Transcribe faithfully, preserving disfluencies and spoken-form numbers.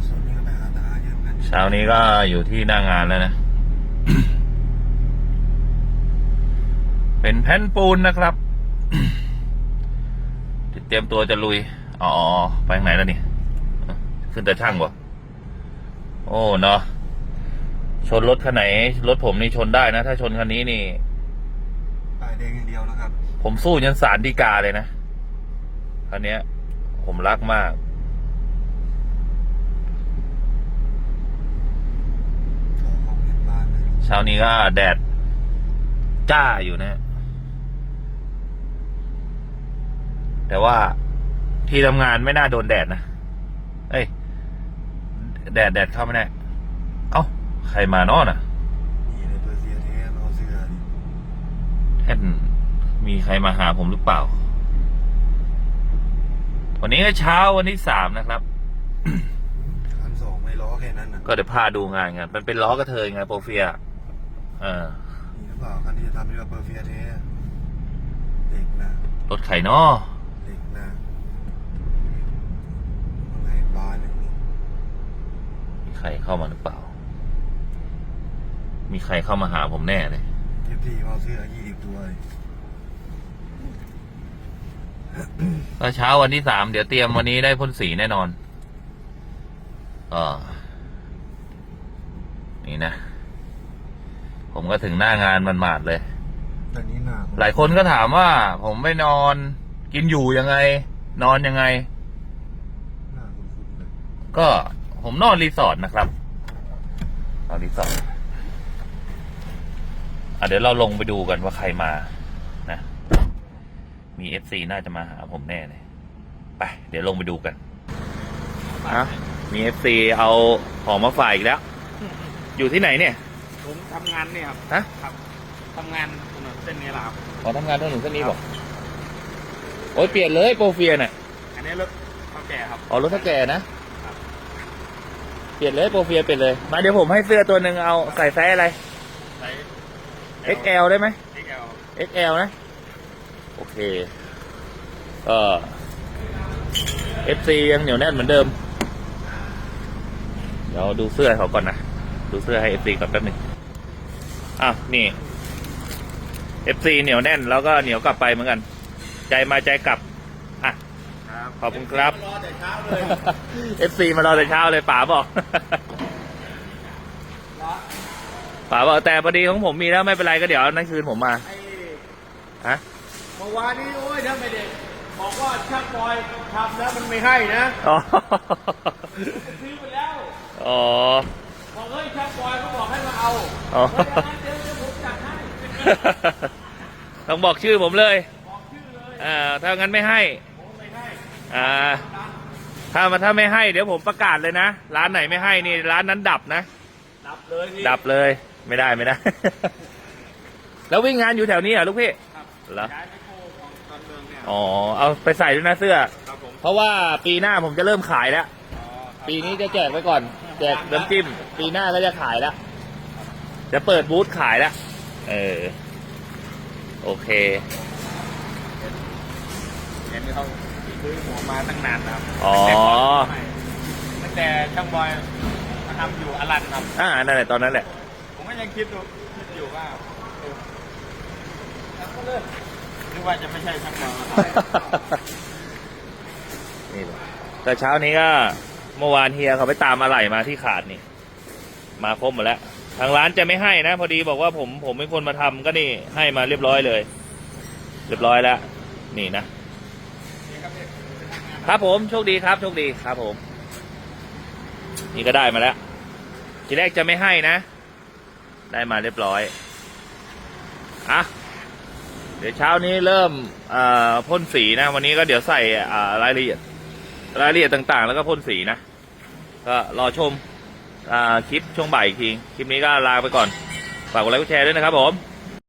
เช้านี้ก็อยู่ที่หน้างานแล้วนะ เป็นแผ่นปูนนะครับ เตรียมตัวจะลุยอ๋อไปทางไหนแล้วนี่ขึ้นแต่ช่างบ่โอ้เนาะชนรถคันไหนรถผมนี่ชนได้นะถ้าชนคันนี้นี่ปลายแดงอย่างเดียวนะครับผมสู้ยันศาลฎีกาเลยนะคันนี้ผมรักมากเช้านี้ก็แดดจ้าอยู่นะแต่ว่าที่ทำงานไม่น่าโดนแดดนะเอ้ยแดดแดดเข้าไม่ได้เอ้าใครมานอนอ่ะนี่เลยเปอร์เซียเทสเอาเสื้อดิแท่นมีใครมาหาผมหรือเปล่าวันนี้ก็เช้าวันที่สามนะครับคันสองไม่ล้อแค่นั้นนะก็เดี๋ยวพาดูงานกันมันเป็นล้อกระเทยไงโปรเฟียเออนี่หรือเปล่าคันที่จะทำเรียกว่าเปอร์เซียเทสเด็กนะรถไข่นอเด็กนะอะไรบาร์นึงมีใครเข้ามาหรือเปล่ามีใครเข้ามาหาผมแน่เลยเทียบทีเอาเสื้อยี่สิบตัวก็เช้าวันที่สามเดี๋ยวเตรียมวันนี้ได้พ่นสีแน่นอนก็นี่นะผมก็ถึงหน้างานมันมาดเลยแต่นี้หน้าหลายคนก็ถามว่าผมไปนอนกินอยู่ยังไงนอนยังไงหน้าคุณคุณเลยก็ผมนอนรีสอร์ทนะครับนอนรีสอร์ทอ่ะเดี๋ยวเราลงไปดูกันว่าใครมานะมีเอฟซีน่าจะมาหาผมแน่เลยไปเดี๋ยวลงไปดูกันอ่ะมีเอฟซีเอาของมาฝ่ายอีกแล้วอยู่ที่ไหนเนี่ยผมทำงานเนี่ยครับฮะครับทำงานถนนเส้นนี้แหละครับอ๋อทำงานถนนเส้นนี้บอกโอ้ยเปลี่ยนเลยโปรเฟียน่ะอันนี้รถเท่าแก่ครับอ๋อรถเท่าแก่นะเปลี่ยนเลยโปรเฟียเปลี่ยนเลยมาเดี๋ยวผมให้เสื้อตัวหนึ่งเอาใส่ไซส์อะไรไซส์เอ็กซ์ แอล ได้ไหมเอ็กซ์ แอลเอ็กซ์ แอล นะโอเคเออ เอฟ ซี ยังเหนียวแน่นเหมือนเดิมเดี๋ยวดูเสื้อเขาก่อนนะดูเสื้อให้ เอฟ ซี ก่อนแป๊บนึงอ่ะนี่ เอฟ ซี เหนียวแน่นแล้วก็เหนียวกลับไปเหมือนกันใจมาใจกลับอ่ะขอบคุณครับรอแต่เช้าเลยเอฟ ซี มารอแต่เช้าเลยป๋าบอกป๋าบอกแต่พอดีของผมมีแล้วไม่เป็นไรก็เดี๋ยวนั่นคืนผมมาฮะเมื่อวานนี้โอ้ยถ้าไม่ได้บอกว่าช่างบอยทำแล้วมันไม่ให้นะอ๋อซื้อไปแล้วอ๋อบอกเฮ้ยช่างบอยเขาบอกให้มาเอาอ๋อเดี๋ยวเดี๋ยวผมจัดให้ต้องบอกชื่อผมเลยบอกชื่อเลยอ่าถ้างั้นไม่ให้ผมไม่ให้อ่าถ้ามาถ้าไม่ให้เดี๋ยวผมประกาศเลยนะร้านไหนไม่ให้นี่ร้านนั้นดับนะดับเลยดับเลยไม่ได้ไม่ได้ แล้ววิ่งงานอยู่แถวนี้เหรอลูกพี่เหรออ๋อเอาไปใส่ด้วยนะเสื้อเพราะว่าปีหน้าผมจะเริ่มขายแล้วปีนี้จะแจกไว้ก่อนแจกน้ำจิ้มปีหน้าก็จะขายแล้วจะเปิดบูธขายแล้วเออโอเคเห็นเขาซื้อหัวมาตั้งนานครับอ๋อตั้งแต่ช่างบอยมาทำอยู่อลันครับอ่านั่นแหละตอนนั้นแหละผมก็ยังคิดดูคิดอยู่ว่านึกว่าจะไม่ใช่ช่างบอยนี่แต่เช้านี้ก็เมื่อวานเฮียเขาไปตามอะไหล่มาที่ขาดนี่มาครบหมดแล้วทางร้านจะไม่ให้นะพอดีบอกว่าผมผมเป็นคนมาทำก็นี่ให้มาเรียบร้อยเลยเรียบร้อยแล้วนี่นะครับผมโชคดีครับโชคดีครับผมนี่ก็ได้มาแล้วทีแรกจะไม่ให้นะได้มาเรียบร้อยอ่ะเดี๋ยวเช้านี้เริ่มพ่นสีนะวันนี้ก็เดี๋ยวใส่รายละเอียดรายละเอียดต่างๆแล้วก็พ่นสีนะก็รอชมคลิปช่วงบ่ายอีกทีคลิปนี้ก็ลาไปก่อนฝากกดไลค์กดแชร์ด้วยนะครับผม